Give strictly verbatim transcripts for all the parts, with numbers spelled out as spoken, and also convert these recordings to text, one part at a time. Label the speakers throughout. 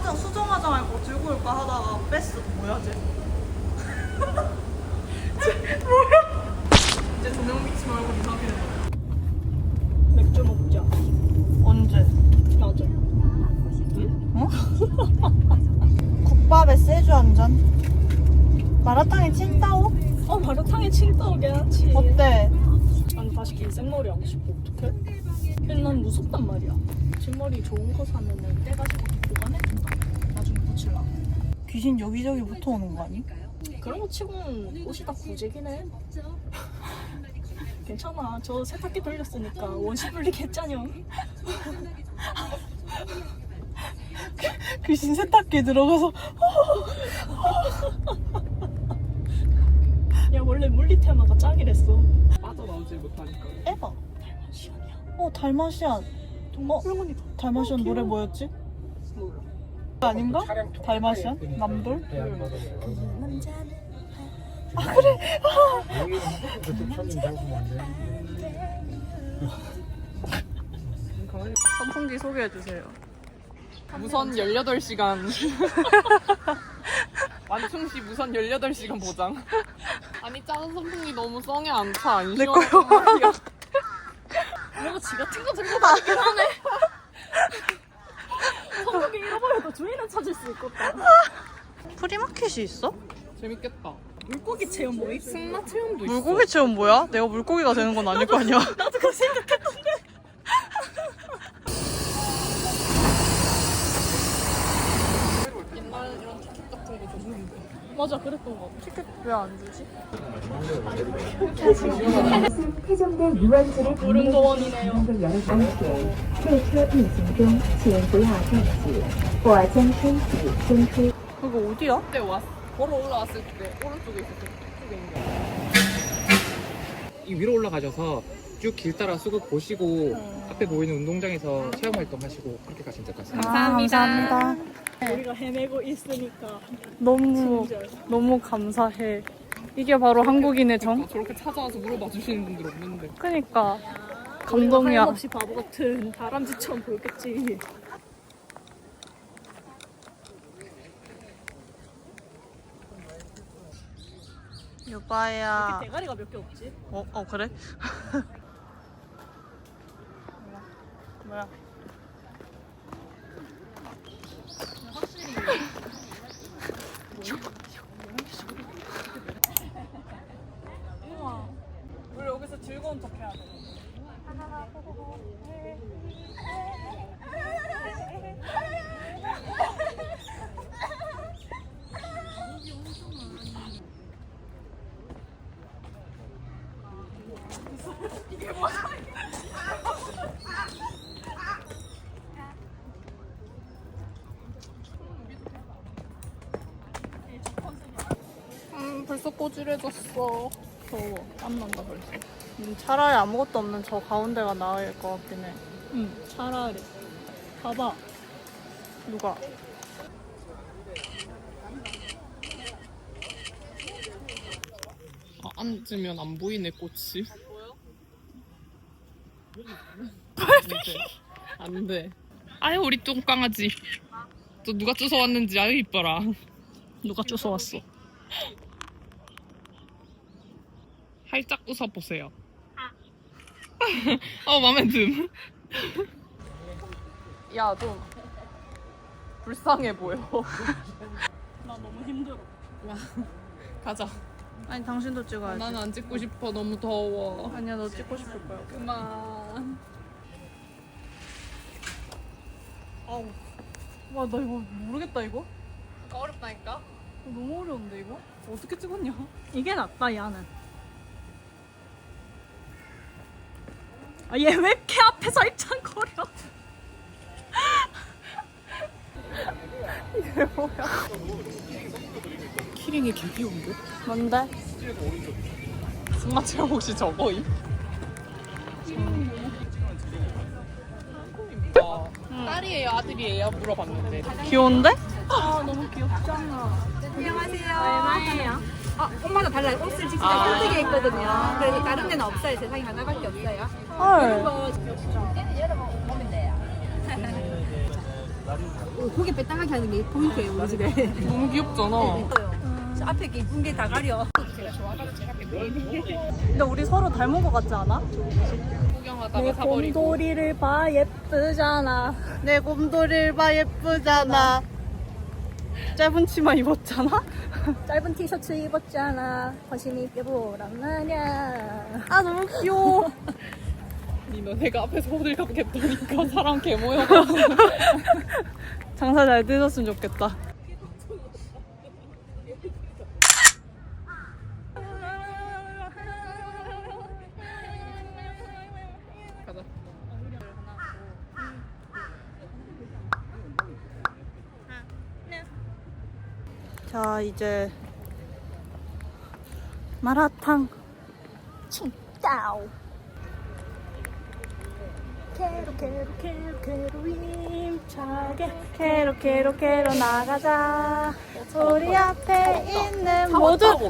Speaker 1: 화장 수정 화장할 거 들고 올까 하다가 뺐어. 뭐야 쟤? 쟤 뭐야? 이제 조명 비치 말고 이상해.
Speaker 2: 맥주 먹자.
Speaker 1: 언제?
Speaker 2: 낮에.
Speaker 1: 어? 국밥에 소주 한 잔. 마라탕에 칭따오?
Speaker 2: 어 마라탕에 칭따오 괜찮지.
Speaker 1: 어때?
Speaker 2: 난 다시 긴 생머리 하고 싶어. 어떡해? 근데 난 무섭단 말이야. 뒷머리 좋은 거 사면은 떼가지고 보관해준다. 나중에 붙일라.
Speaker 1: 귀신 여기저기 붙어오는 거 아니?
Speaker 2: 그런 거 치고는 옷이 다 구제긴 해. 괜찮아. 저 세탁기 돌렸으니까 원시 분리 개짜녀.
Speaker 1: 귀신 세탁기에 들어가서
Speaker 2: 야 원래 물리 테마가 짱이랬어.
Speaker 3: 빠져나오지 못하니까.
Speaker 1: 에바.
Speaker 2: 시원이야.
Speaker 1: 어 달마시안.
Speaker 2: 정말
Speaker 1: 어?
Speaker 2: 훌륭하니까.
Speaker 1: 달마시안 노래 뭐였지?
Speaker 3: 몰라.
Speaker 1: 아닌가? 달마시안? 남돌?
Speaker 2: 아
Speaker 1: 그래. 선풍기 소개해주세요.
Speaker 3: 무선 열여덟 시간. 완충시 무선 열여덟 시간 보장. 아니 작은 선풍기 너무 썽에 안 차. 안
Speaker 1: 내
Speaker 3: 시원하단
Speaker 1: 거요.
Speaker 3: 말이야.
Speaker 2: 뭔가 지 같은 거 들고 다니긴 하네. 선풍기 잃어버려도 주인은 찾을 수 있겠다.
Speaker 1: 프리마켓이 있어?
Speaker 3: 재밌겠다.
Speaker 2: 물고기 체험 뭐 있어?
Speaker 3: 승마 체험도 있어.
Speaker 1: 물고기 체험 뭐야? 내가 물고기가 되는 건 아닐 거 아니야?
Speaker 2: 나도 그거 생각했던데.
Speaker 3: 옛날 이런 티켓 같은 거 줬는데.
Speaker 2: 맞아 그랬던 거 같아.
Speaker 1: 티켓 왜 안 주지?
Speaker 4: 태종대 유원지를
Speaker 2: 무릉도원이네요.
Speaker 4: 방문을 열어주십시오. 列车运行中，请不要站起或将身体伸出。
Speaker 1: 그거 어디야?
Speaker 3: 그때 왔 걸어 올라왔을 때 오른쪽에 있었어. 쪽에 있는 게.
Speaker 5: 이 위로 올라가셔서 쭉 길 따라 수국 보시고 앞에 보이는 운동장에서 체험 활동하시고 그렇게 가시면 될 것 같습니다.
Speaker 1: 감사합니다. 감사합니다.
Speaker 2: 우리가 헤매고 있으니까
Speaker 1: 너무
Speaker 2: 친절.
Speaker 1: 너무 감사해. 이게 바로 한국인의 정?
Speaker 3: 어, 저렇게 찾아와서 물어봐 주시는 분들 없는데.
Speaker 1: 그니까
Speaker 2: 우리가
Speaker 1: 감동이야.
Speaker 2: 하염없이 바보 같은 다람쥐처럼 보였겠지.
Speaker 1: 유바야.
Speaker 2: 대가리가 몇 개 없지?
Speaker 1: 어, 어 그래? 뭐야?
Speaker 2: 확실히 우와 우리 여기서 즐거운 척 해야 돼.
Speaker 3: 음 벌써 꼬질해졌어. 더워. 땀난다 벌써.
Speaker 1: 음, 차라리 아무것도 없는 저 가운데가 나을 것 같긴 해.
Speaker 2: 응 차라리 봐봐.
Speaker 1: 누가?
Speaker 3: 아, 앉으면 안 보이네 꽃이. 안 돼. 안 돼. 아유 우리 똥강아지. 또 누가 쫓아왔는지 아유 이뻐라.
Speaker 2: 누가 쫓아왔어?
Speaker 3: 활짝 웃어보세요. 어 맘에 듦. 야 좀 불쌍해 보여.
Speaker 2: 나 너무 힘들어.
Speaker 3: 가자.
Speaker 1: 아니 당신도 찍어야지.
Speaker 3: 나는 안 찍고 싶어. 너무 더워.
Speaker 1: 아니야 너 찍고 싶을 거야.
Speaker 3: 그만.
Speaker 1: 아우. 와 나 이거 모르겠다 이거.
Speaker 3: 어렵다니까.
Speaker 1: 너무 어려운데 이거? 어떻게 찍었냐?
Speaker 2: 이게 낫다 야는. 아 얘 왜 이렇게 앞에서 입장거려?
Speaker 1: 이게 뭐야?
Speaker 3: 키링이 개 귀여운데?
Speaker 1: 뭔데?
Speaker 3: 승마 체험 혹시 저거임? 음. 딸이에요 아들이에요 물어봤는데.
Speaker 1: 귀여운데?
Speaker 2: 아 너무 귀엽잖아.
Speaker 6: 얼마예요? 아, 옷마다 달라요. 옷을 직접
Speaker 3: 아.
Speaker 6: 선택해 있거든요. 그래서 다른 데는 없어요. 세상에 하나밖에 없어요.
Speaker 1: 헐.
Speaker 6: 이거 얘는 열어보면 돼요. 고개 빼딱하게 하는 게 포인트예요 우리 집에.
Speaker 3: 너무 귀엽잖아.
Speaker 1: 앞에 게 이쁜 게 다 가려.
Speaker 2: 근데 우리 서로 닮은 것 같지 않아?
Speaker 3: 구경하다가 사버리고.
Speaker 2: 곰돌이를 봐 예쁘잖아.
Speaker 1: 내 곰돌이를 봐 예쁘잖아. 짧은 치마 입었잖아.
Speaker 2: 짧은 티셔츠 입었잖아. 거심이 뼈보란 말이야.
Speaker 1: 아 너무 귀여워.
Speaker 3: 니 너네가 앞에서 호들갑 겠다니까 사람 개 모여가지고.
Speaker 1: 장사 잘 되셨으면 좋겠다.
Speaker 3: 가자.
Speaker 1: 자 이제 마라탕.
Speaker 2: 짜오. 캐로 캐로 캐로 캐로 힘차게 캐로 캐로 캐로 나가자. 우리 앞에 있는 모든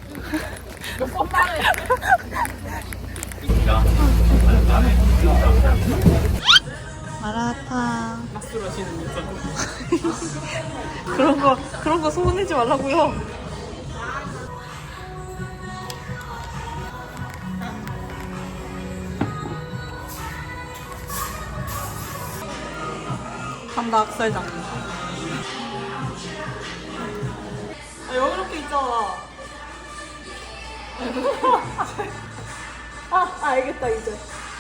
Speaker 1: 마라탕.
Speaker 3: 낯설 하시는 진짜.
Speaker 1: 그런 거 그런 거 소문내지 말라고요. 삼각살장. 아, 여기 이렇게 있잖아.
Speaker 2: 아, 아 알겠다 이제.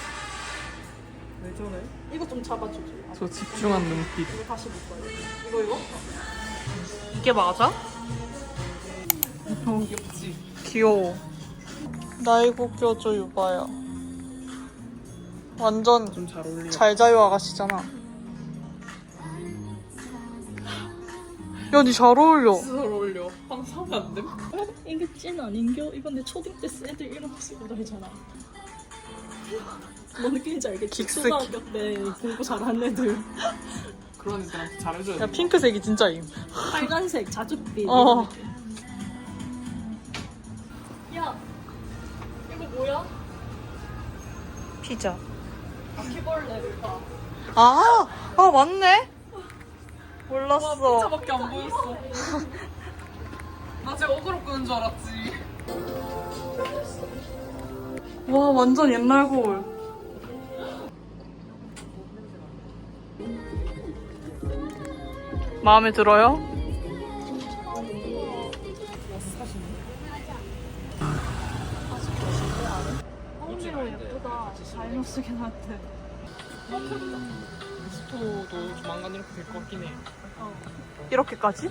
Speaker 1: 왜 저래?
Speaker 2: 이거 좀 잡아주지.
Speaker 3: 저 집중한 눈빛.
Speaker 2: 이거 다시 못 봐요. 이거 이거?
Speaker 1: 이게 맞아?
Speaker 3: 너무 귀엽지?
Speaker 1: 귀여워. 나 이거 껴줘 유바야. 완전
Speaker 3: 좀 잘 어울려.
Speaker 1: 잘 자요 아가씨잖아. 야, 니 잘 어울려.
Speaker 3: 잘 어울려. 빵 사면 안 돼?
Speaker 2: 이게 찐 아닌겨? 이건 내 초딩 때 애들 이런 거 쓰고 다니잖아. 뭐 느낌인지 알겠지?
Speaker 1: 긱스키.
Speaker 2: 초등학교 때 공부 잘하는 애들.
Speaker 3: 그런 애들한테 잘해줘야
Speaker 1: 야,
Speaker 3: 돼.
Speaker 1: 핑크색이 진짜임.
Speaker 2: 빨간색 자줏빛.
Speaker 1: 어.
Speaker 2: 야, 이거 뭐야?
Speaker 1: 피자.
Speaker 2: 바퀴벌레를 봐.
Speaker 1: 아, 아, 맞네?
Speaker 3: 와,
Speaker 1: 몰랐어.
Speaker 3: 피자밖에 안 보였어. 나 진짜 어그로 끄는 줄 알았지.
Speaker 1: 와, 완전 옛날 거울. 마음에 들어요?
Speaker 2: 언니로 예쁘다. 잘 쓰긴 한데.
Speaker 3: 스토도 조만간 이렇게 될 것 같긴 해.
Speaker 1: 이렇게까지?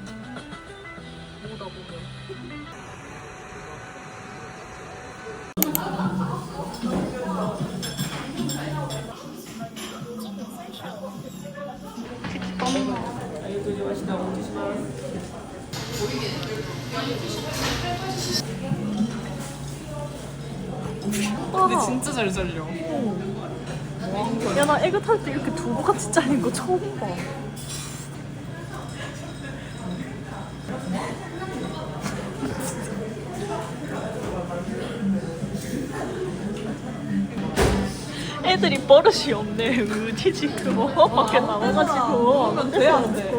Speaker 3: 보다 보면. 근데 진짜 잘 잘려.
Speaker 2: 야, 나 애교 탈 때 이렇게 두부같이 잘린 거 처음 봐. 애들이 버릇이 없네. 우디지 그거 밖에 나와가지고.
Speaker 1: 그러면 돼, 안 돼?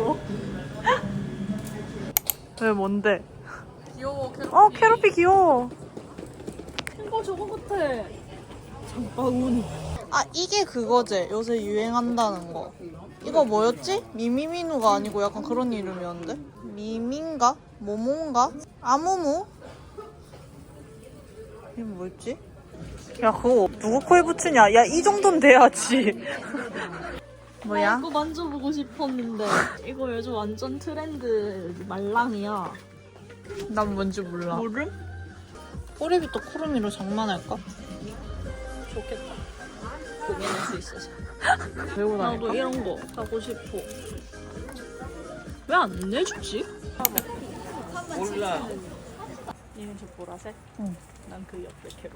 Speaker 1: 왜, 뭔데?
Speaker 3: 귀여워. 캐럿이.
Speaker 1: 어, 캐럿피 귀여워.
Speaker 2: 이거 저거 같아. 장바구니.
Speaker 1: 아, 이게 그거지. 요새 유행한다는 거. 이거 뭐였지? 미미미누가 아니고 약간 그런 이름이었는데? 미민가? 모모인가? 아무무? 이게 뭐였지? 야, 그거 누구 코에 붙이냐? 야, 이 정도는 돼야지.
Speaker 2: 나
Speaker 1: 뭐야?
Speaker 2: 이거 만져보고 싶었는데 이거 요즘 완전 트렌드 말랑이야.
Speaker 1: 난 뭔지 몰라.
Speaker 2: 모름?
Speaker 1: 꼬리부터 코르미로 장만할까?
Speaker 2: 좋겠다. 고민할 수 있어서.
Speaker 1: 외고
Speaker 2: 나도
Speaker 1: 다닐까?
Speaker 2: 이런 거 하고 싶어. 왜 안 내주지?
Speaker 3: 몰라.
Speaker 2: 얘는 저 보라색?
Speaker 1: 응.
Speaker 2: 난 그 옆에 캐롤.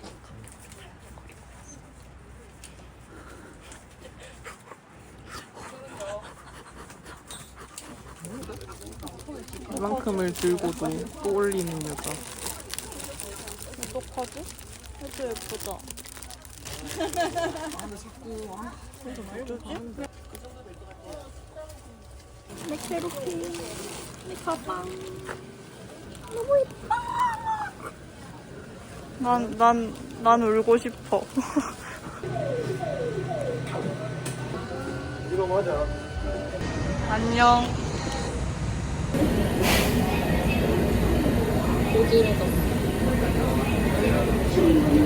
Speaker 3: 이만큼을 들고도 또 올리는 여자.
Speaker 2: 어떡하지? 해도 예쁘다.
Speaker 3: 아 근데 자꾸 아, 좀 알려줘.
Speaker 2: 내 캐로피, 내 가방.
Speaker 1: 난, 난, 난 울고 싶어.
Speaker 5: 이거 맞아.
Speaker 1: 안녕.
Speaker 2: 오지러졌어.